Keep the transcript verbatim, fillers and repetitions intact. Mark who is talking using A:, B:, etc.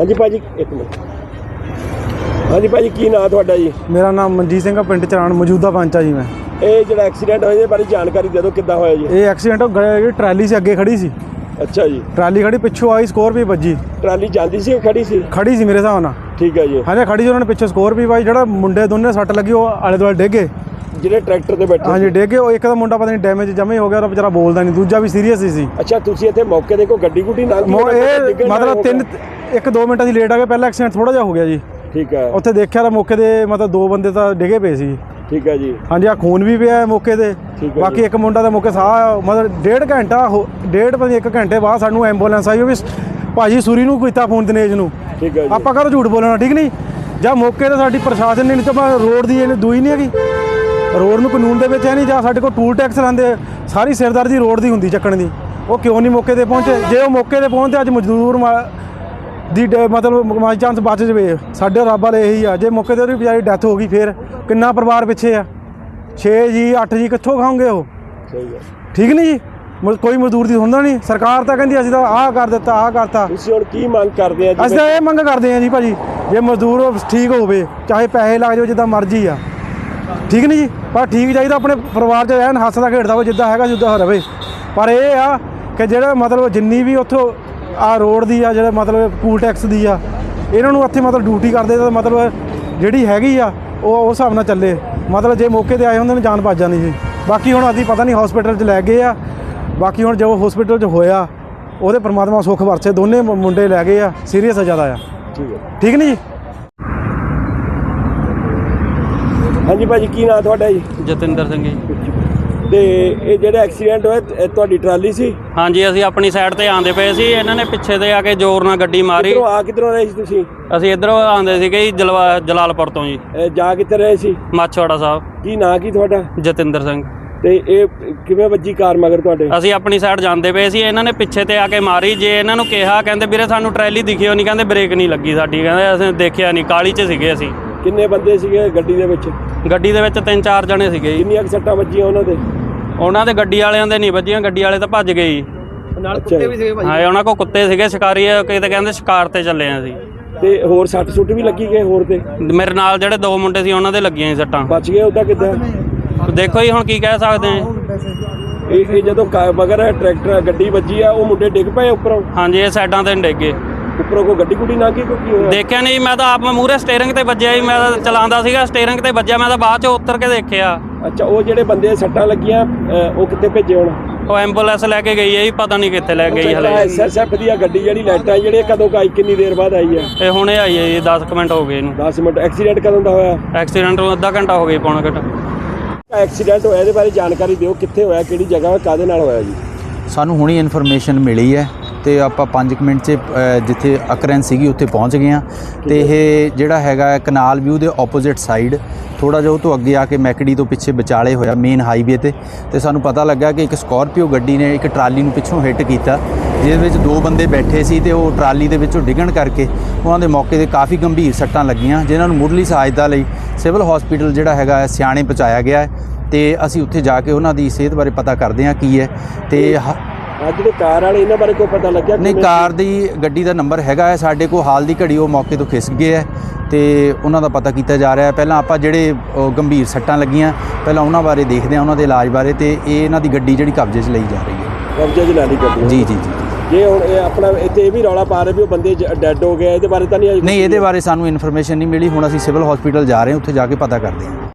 A: जी भाजी एक मिनट। हाँ जी भाजी की नाम तुहाडा जी?
B: मेरा नाम मनजीत सिंह पिंड चरान मौजूदा पंच है जी। मैं
A: ये जो एक्सीडेंट होया बारे जानकारी दे दो किद्दां होया जी?
B: ये एक्सीडेंट ट्राली से अगे खड़ी सी।
A: अच्छा जी।
B: ट्राली खड़ी पिछों आई स्कॉर्पियो बजी।
A: ट्राली जाती सी खड़ी सी?
B: खड़ी सी मेरे हिसाब नाल।
A: ठीक है जी।
B: हाँ जी खड़ी सी, उन्होंने पिछों स्कॉर्पियो आई, जो मुंडे दोनों सट लगी वो आले दुआले डिग गए,
A: ਜਿਹੜੇ ट्रैक्टर ਤੇ बैठे।
B: हाँ जी डिग गए। एक मुंडा पता नहीं डैमेज जमे हो गया, बेचारा बोलता नहीं, दूजा भी सीरीयस ही सी।
A: अच्छा तुसीं इत्थे मौके ते कोई गड्डी गुड्डी नाल
B: मतलब तीन एक दो मिनट असीं लेट आ गए, पहला एक्सीडेंट थोड़ा जिहा हो गया जी।
A: ठीक है।
B: उत्थे देखिया ਤਾਂ ਮੌਕੇ ਤੇ मतलब दो बंदे ਤਾਂ ਡਿਗੇ ਪਏ ਸੀ।
A: ठीक है जी।
B: हाँ जी आ खून भी पिया मौके ਤੇ। बाकी एक मुंडा ਦਾ ਮੌਕੇ ਸਾਹ मतलब डेढ़ घंटा डेढ़ पता एक घंटे बाद सानू एंबूलेंस आई, वो भी ਭਾਜੀ ਸੂਰੀ ਨੂੰ ਕੀਤਾ ਫੋਨ ਦਿਨੇਸ਼ ਨੂੰ।
A: ठीक है।
B: ਆਪਾਂ ਕਦੋਂ ਝੂਠ ਬੋਲਣਾ, ਠੀਕ ਨਹੀਂ? ਜਾਂ ਮੌਕੇ ਤੇ ਸਾਡੀ ਪ੍ਰਸ਼ਾਸਨ ਨੇ, ਨਹੀਂ ਤਾਂ ਰੋਡ ਦੀ ਇਹਨੇ ਦੂਈ ਨਹੀਂ ਹੈਗੀ, ਰੋਡ ਨੂੰ ਕਾਨੂੰਨ ਦੇ ਵਿੱਚ ਹੈ ਨਹੀਂ, ਜਾਂ ਸਾਡੇ ਕੋਲ ਟੂਲ ਟੈਕਸ ਲਾਂਦੇ, ਸਾਰੀ ਸਿਰਦਰਦੀ ਰੋਡ ਦੀ ਹੁੰਦੀ ਚੱਕਣ ਦੀ, ਉਹ ਕਿਉਂ ਨਹੀਂ ਮੌਕੇ ਤੇ ਪਹੁੰਚੇ? ਜੇ ਉਹ ਮੌਕੇ ਤੇ ਪਹੁੰਚਦੇ ਅੱਜ ਮਜ਼ਦੂਰ ਦੀ मतलब बाई चांस बच जाए, साढ़े रब वाले यही आ। जे मौके पर बेचारी डैथ हो गई फिर कितना परिवार पिछे आ, छे जी अठ जी कितों खाओगे वो? ठीक नहीं जी, कोई मजदूर की सुनता नहीं। सरकार तो कहती असं तो आह कर दिता आह करता।
A: की मंग करते हैं?
B: असं तो ये मंग करते हैं जी भाजी, जे मजदूर ठीक हो चाहे पैसे लग जाओ जिदा मर्जी आ, ठीक नहीं जी, पर ठीक चाहिए अपने परिवार च रहन, हसदा खेड़दा हो जिदा है जिदा रहे। पर यह आ कि जो मतलब जिन्नी भी उतों आ रोड की आ, जो मतलब टूल टैक्स की आ, इन्हों इत्थे मतलब ड्यूटी करते तो मतलब जी हैगी आ वो उस हिसाब नाल चले। मतलब जे मौके पर आए होंगे जान भज जानी जी। बाकी हुण असीं पता नहीं हॉस्पिटल च लै गए आ, बाकी हुण जो हॉस्पिटल च होया वो परमात्मा सुख वरसे, दोनों मुंडे लै गए आ, सीरीयस ज़्यादा आ। ठीक है, ठीक नहीं जी।
A: हाँ जी भाजी की नाम तुहाडा जी?
C: जतिंदर सिंह जी।
A: ਤੇ ਇਹ ਜਿਹੜਾ ਐਕਸੀਡੈਂਟ ਹੋਇਆ ਤੁਹਾਡੀ ਟਰਾਲੀ ਸੀ?
C: ਹਾਂਜੀ ਅਸੀਂ ਆਪਣੀ ਸਾਈਡ ਤੇ ਆਂਦੇ ਪਏ ਸੀ, ਇਹਨਾਂ ਨੇ ਪਿੱਛੇ ਤੇ ਆ ਕੇ ਜ਼ੋਰ ਨਾਲ ਗੱਡੀ ਮਾਰੀ।
A: ਕਿੱਧਰੋਂ ਆ ਕਿੱਧਰੋਂ ਰਹੇ ਸੀ ਤੁਸੀਂ?
C: ਅਸੀਂ ਇੱਧਰੋਂ ਆਂਦੇ ਸੀਗੇ ਜੀ ਜਲਵਾ ਜਲਾਲਪੁਰ ਤੋਂ ਜੀ।
A: ਜਾ ਕਿੱਥੇ ਰਹੇ ਸੀ?
C: ਮਾਛਵਾੜਾ ਸਾਹਿਬ।
A: ਕੀ ਨਾਂ ਕੀ ਤੁਹਾਡਾ?
C: ਜਤਿੰਦਰ ਸਿੰਘ।
A: ਤੇ ਇਹ ਕਿਵੇਂ ਵੱਜੀ ਕਾਰ ਮਗਰ ਤੁਹਾਡੇ?
C: ਅਸੀਂ ਆਪਣੀ ਸਾਈਡ ਜਾਂਦੇ ਪਏ ਸੀ, ਇਹਨਾਂ ਨੇ ਪਿੱਛੇ ਤੇ ਆ ਕੇ ਮਾਰੀ। ਜੇ ਇਹਨਾਂ ਨੂੰ ਕਿਹਾ ਕਹਿੰਦੇ ਵੀਰੇ ਸਾਨੂੰ ਟਰੈਲੀ ਦਿਖਿਓ ਨਹੀਂ, ਕਹਿੰਦੇ ਬ੍ਰੇਕ ਨਹੀਂ ਲੱਗੀ ਸਾਡੀ, ਕਹਿੰਦੇ ਅਸੀਂ ਦੇਖਿਆ ਨਹੀਂ, ਕਾਲੀ 'ਚ ਸੀਗੇ ਅਸੀਂ।
A: ਕਿੰਨੇ ਬੰਦੇ ਸੀਗੇ ਗੱਡੀ ਦੇ ਵਿੱਚ?
C: ਗੱਡੀ ਦੇ ਵਿੱਚ ਤਿੰਨ ਚਾਰ ਜਣੇ ਸੀਗੇ ਜੀ।
A: ਕਿੰਨੀਆਂ ਸੱਟਾਂ ਵੱਜੀਆਂ ਉਹਨਾਂ ਦੇ?
C: ਉਹਨਾਂ ਦੇ ਗੱਡੀ ਵਾਲਿਆਂ ਦੇ ਨਹੀਂ ਵੱਜੀਆਂ, ਗੱਡੀ ਵਾਲੇ ਤਾਂ ਭੱਜ ਗਏ ਜੀ।
A: ਨਾਲ ਕੁੱਤੇ ਵੀ ਸੀਗੇ ਭਾਈ? ਹਾਂ
C: ਉਹਨਾਂ ਕੋਲ ਕੁੱਤੇ ਸੀਗੇ, ਸ਼ਿਕਾਰੀ ਕਿਤੇ ਕਹਿੰਦੇ ਸ਼ਿਕਾਰ ਤੇ ਚੱਲੇ ਆ ਅਸੀਂ। ਤੇ
A: ਹੋਰ ਸੱਟ ਸੁੱਟ ਵੀ ਲੱਗੀ ਗਏ ਹੋਰ ਤੇ?
C: ਮੇਰੇ ਨਾਲ ਜਿਹੜੇ ਦੋ ਮੁੰਡੇ ਸੀ ਉਹਨਾਂ ਦੇ ਲੱਗੀਆਂ ਸੀ ਸੱਟਾਂ।
A: ਬਚ ਗਏ ਉਹਦਾ ਕਿੱਦਾਂ?
C: ਦੇਖੋ ਜੀ ਹੁਣ ਕੀ ਕਹਿ ਸਕਦੇ ਆ।
A: ਇਹ ਜਦੋਂ ਮਗਰ ਟਰੈਕਟਰ ਗੱਡੀ ਵੱਜੀ ਆ ਉਹ ਮੁੰਡੇ ਡਿੱਗ ਪਏ ਉੱਪਰੋਂ?
C: ਹਾਂਜੀ ਇਹ ਸਾਈਡਾਂ ਤੇ ਡਿੱਗ ਗਏ।
A: ਉੱਪਰੋਂ ਕੋਈ ਗੱਡੀ ਗੁੱਡੀ ਨਾ ਕੀ ਕੀ ਹੋਇਆ?
C: ਦੇਖਿਆ ਨਹੀਂ, ਮੈਂ ਤਾਂ ਆਪ ਮੂਹਰੇ ਸਟੀਅਰਿੰਗ ਤੇ ਵੱਜਿਆ ਜੀ, ਮੈਂ ਤਾਂ ਚਲਾਉਂਦਾ ਸੀਗਾ, ਸਟੀਅਰਿੰਗ ਤੇ ਵੱਜਿਆ, ਮੈਂ ਤਾਂ ਬਾਅਦ 'ਚ ਉਤਰ ਕੇ ਦੇਖਿਆ।
A: ਅੱਛਾ ਉਹ ਜਿਹੜੇ ਬੰਦੇ ਸੱਟਾਂ ਲੱਗੀਆਂ ਉਹ ਕਿੱਥੇ ਭੇਜੇ ਹੁਣ?
C: ਉਹ ਐਂਬੂਲੈਂਸ ਲੈ ਕੇ ਗਈ ਹੈ ਜੀ, ਪਤਾ ਨਹੀਂ ਕਿੱਥੇ ਲੈ ਗਈ ਹਲੇ।
A: ਐਸ ਐਸ ਐਫ ਦੀ ਗੱਡੀ ਜਿਹੜੀ ਲਾਈਟਾਂ ਜਿਹੜੇ ਕਦੋਂ ਆਈ, ਕਿੰਨੀ ਦੇਰ ਬਾਅਦ ਆਈ ਹੈ?
C: ਇਹ ਹੁਣੇ ਆਈ ਹੈ ਜੀ, ਦਸ ਕੁ ਮਿੰਟ ਹੋ ਗਏ ਇਹਨੂੰ।
A: ਦਸ ਮਿੰਟ। ਐਕਸੀਡੈਂਟ ਕਦੋਂ ਦਾ ਹੋਇਆ?
C: ਐਕਸੀਡੈਂਟ ਨੂੰ ਅੱਧਾ ਘੰਟਾ ਹੋ ਗਿਆ, ਪੌਣਾ ਘੰਟਾ।
A: ਐਕਸੀਡੈਂਟ ਹੋਇਆ ਇਹਦੇ ਬਾਰੇ ਜਾਣਕਾਰੀ ਦਿਓ, ਕਿੱਥੇ ਹੋਇਆ, ਕਿਹੜੀ ਜਗ੍ਹਾ, ਕਾਹਦੇ ਨਾਲ ਹੋਇਆ ਜੀ?
D: ਸਾਨੂੰ ਹੁਣੀ ਇਨਫੋਰਮੇਸ਼ਨ ਮਿਲੀ ਹੈ ਤੇ ਆਪਾਂ ਪੰਜ ਮਿੰਟ 'ਚ ਜਿੱਥੇ ਅਕਰੈਂਸ ਸੀਗੀ ਉੱਥੇ ਪਹੁੰਚ ਗਏ ਹਾਂ। ਤੇ ਇਹ ਜਿਹੜਾ ਹੈਗਾ ਕਨਾਲ ਵਿਊ ਦੇ ਆਪੋਜ਼ਿਟ ਸਾਈਡ ਥੋੜਾ ਜਿਹਾ ਉਹ ਤੋਂ ਅੱਗੇ ਆ ਕੇ ਮੈਕੜੀ ਤੋਂ ਪਿੱਛੇ ਵਿਚਾਲੇ ਹੋਇਆ ਮੇਨ ਹਾਈਵੇ ਤੇ। ਤੇ ਸਾਨੂੰ ਪਤਾ ਲੱਗਾ ਕਿ ਇੱਕ ਸਕਾਰਪੀਓ ਗੱਡੀ ਨੇ ਇੱਕ ਟਰਾਲੀ ਨੂੰ ਪਿੱਛੋਂ ਹਿੱਟ ਕੀਤਾ, ਜਿਹਦੇ ਵਿੱਚ ਦੋ ਬੰਦੇ ਬੈਠੇ ਸੀ ਤੇ ਉਹ ਟਰਾਲੀ ਦੇ ਵਿੱਚੋਂ ਡਿੱਗਣ ਕਰਕੇ ਉਹਨਾਂ ਦੇ ਮੌਕੇ 'ਤੇ ਕਾਫੀ ਗੰਭੀਰ ਸੱਟਾਂ ਲੱਗੀਆਂ, ਜਿਨ੍ਹਾਂ ਨੂੰ ਮੁੱਢਲੀ ਸਹਾਇਤਾ ਲਈ ਸਿਵਲ ਹਸਪੀਟਲ ਜਿਹੜਾ ਹੈਗਾ ਸਿਆਣੇ ਪਹੁੰਚਾਇਆ ਗਿਆ ਹੈ। ਤੇ ਅਸੀਂ ਉੱਥੇ ਜਾ ਕੇ ਉਹਨਾਂ ਦੀ ਸਿਹਤ ਬਾਰੇ ਪਤਾ ਕਰਦੇ ਹਾਂ ਕੀ ਹੈ। ਤੇ
A: ਅੱਜ ਜਿਹੜੇ ਕਾਰ ਵਾਲੇ ਇਹਨਾਂ ਬਾਰੇ ਕੋਈ ਪਤਾ ਲੱਗਿਆ?
D: ਨਹੀਂ, ਕਾਰ ਦੀ ਗੱਡੀ ਦਾ ਨੰਬਰ ਹੈਗਾ ਹੈ ਸਾਡੇ ਕੋਲ, ਹਾਲ ਦੀ ਘੜੀ ਉਹ ਮੌਕੇ ਤੋਂ ਖਿਸਕ ਗਏ ਹੈ ਤੇ ਉਹਨਾਂ ਦਾ ਪਤਾ ਕੀਤਾ ਜਾ ਰਿਹਾ ਹੈ। ਪਹਿਲਾਂ ਆਪਾਂ ਜਿਹੜੇ ਗੰਭੀਰ ਸੱਟਾਂ ਲੱਗੀਆਂ ਪਹਿਲਾਂ ਉਹਨਾਂ ਬਾਰੇ ਦੇਖਦੇ ਹਾਂ, ਉਹਨਾਂ ਦੇ ਇਲਾਜ ਬਾਰੇ। ਤੇ ਇਹ ਇਹਨਾਂ ਦੀ ਗੱਡੀ ਜਿਹੜੀ ਕਬਜ਼ੇ 'ਚ ਲਈ ਜਾ ਰਹੀ ਹੈ।
A: ਕਬਜ਼ੇ 'ਚ ਲੈ ਲਈ ਗੱਡੀ? ਜੀ
D: ਜੀ ਜੀ।
A: ਜੇ ਹੁਣ ਇਹ ਆਪਣਾ ਇੱਥੇ ਇਹ ਵੀ ਰੌਲਾ ਪਾ ਰਹੇ ਵੀ ਉਹ ਬੰਦੇ ਡੈਡ ਹੋ ਗਏ, ਇਹਦੇ ਬਾਰੇ ਤਾਂ ਨਹੀਂ?
D: ਨਹੀਂ, ਇਹਦੇ ਬਾਰੇ ਸਾਨੂੰ ਇਨਫੋਰਮੇਸ਼ਨ ਨਹੀਂ ਮਿਲੀ। ਹੁਣ ਅਸੀਂ ਸਿਵਲ ਹਸਪੀਟਲ ਜਾ ਰਹੇ ਹਾਂ, ਉੱਥੇ ਜਾ ਕੇ ਪਤਾ ਕਰਦੇ ਹਾਂ।